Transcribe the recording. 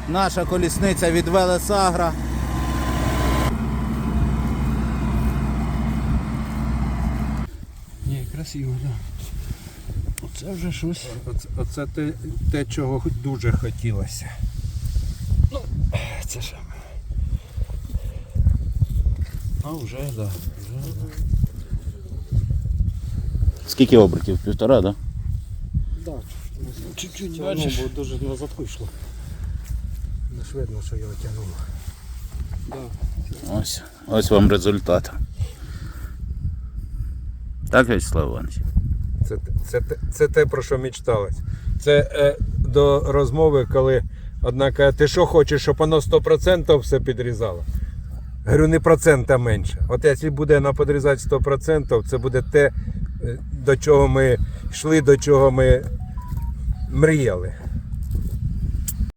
Наша колісниця від Велесагра. Ні, красиво, так. Да. Оце вже щось. Оце те, чого дуже хотілося. Ну, це ж. А вже, так. Да. Скільки обертів? 1,5, да? Так, чуть-чуть Воно бачиш. бо дуже назад вийшло. Не ж видно, що його тягнуло. Да. Ось вам результат. Так, Вячеслав Іванович? Це те, про що мечталось. Це до розмови, коли одна каже, ти що хочеш, щоб воно 100% все підрізало? Говорю, не процента менше. От якщо буде воно підрізати 100%, це буде те, до чого ми йшли, до чого ми мріяли.